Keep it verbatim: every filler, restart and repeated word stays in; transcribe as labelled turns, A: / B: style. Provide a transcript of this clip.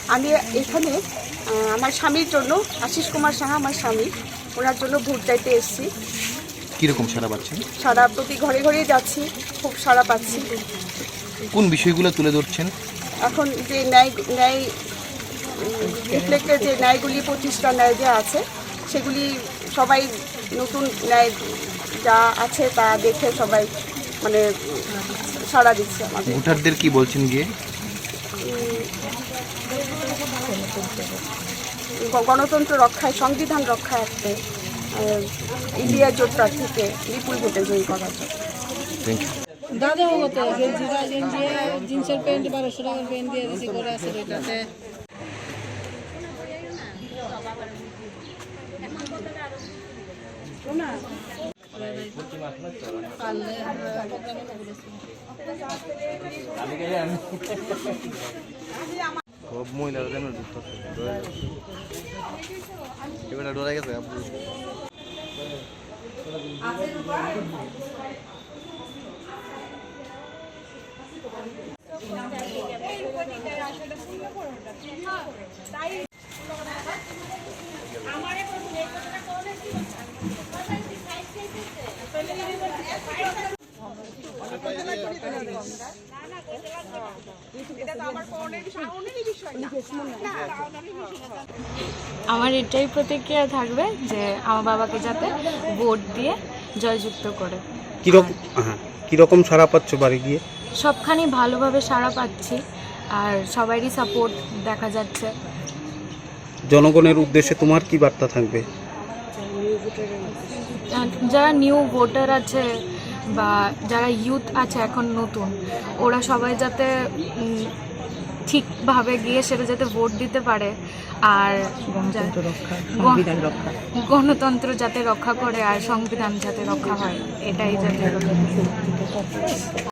A: আমি এখানে আমার স্বামীর জন্য, আশিস কুমার সাহা আমার স্বামী, ওনার জন্য ভোট চাইতে এসেছি।
B: কীরকম সাড়া পাচ্ছেন?
A: সারা প্রতি ঘরে ঘরে যাচ্ছি, খুব সাড়া পাচ্ছি।
B: কোন বিষয়গুলো তুলে ধরছেন?
A: এখন যে ন্যায় ন্যায় রিফ্লেক্টের যে ন্যায়গুলি পঁচিশটা ন্যায় যে আছে, সেগুলি সবাই নতুন ন্যায় যা আছে তা দেখে সবাই মানে সাড়া দিচ্ছে আমাদের।
B: ভোটারদের কি বলছেন গিয়ে?
A: গণতন্ত্র রক্ষায়, সংবিধান রক্ষার্থে ইন্ডিয়া জোট প্রার্থীকে বিপুল ভোটে জয়ী করার জন্য।
B: Thank you.
C: দাদা হতো গেঞ্জিরা গেঞ্জি জিন্সের প্যান্ট বারোশো টাকার প্যান্ট দিয়ে দিছি করে আছে এটাতে।
B: সব মহিলারা যেন এবার ডরে গেছে আপু।
D: আমার এটাই প্রতিক্রিয়া থাকবে যে আমার বাবাকে যাতে ভোট দিয়ে জয়যুক্ত করে।
E: কীরকম হ্যাঁ কীরকম সাড়া পাচ্ছ বাড়ি গিয়ে?
D: সবখানি ভালোভাবে সাড়া পাচ্ছি আর সবারই সাপোর্ট দেখা যাচ্ছে।
E: জনগণের উদ্দেশ্যে তোমার কি বার্তা থাকবে?
D: যারা নিউ ভোটার আছে বা যারা ইউথ আছে এখন নতুন, ওরা সবাই যাতে ঠিকভাবে গিয়ে সেটা যাতে ভোট দিতে পারে আর গণতন্ত্র যাতে রক্ষা করে আর সংবিধান যাতে রক্ষা হয়, এটাই যাতে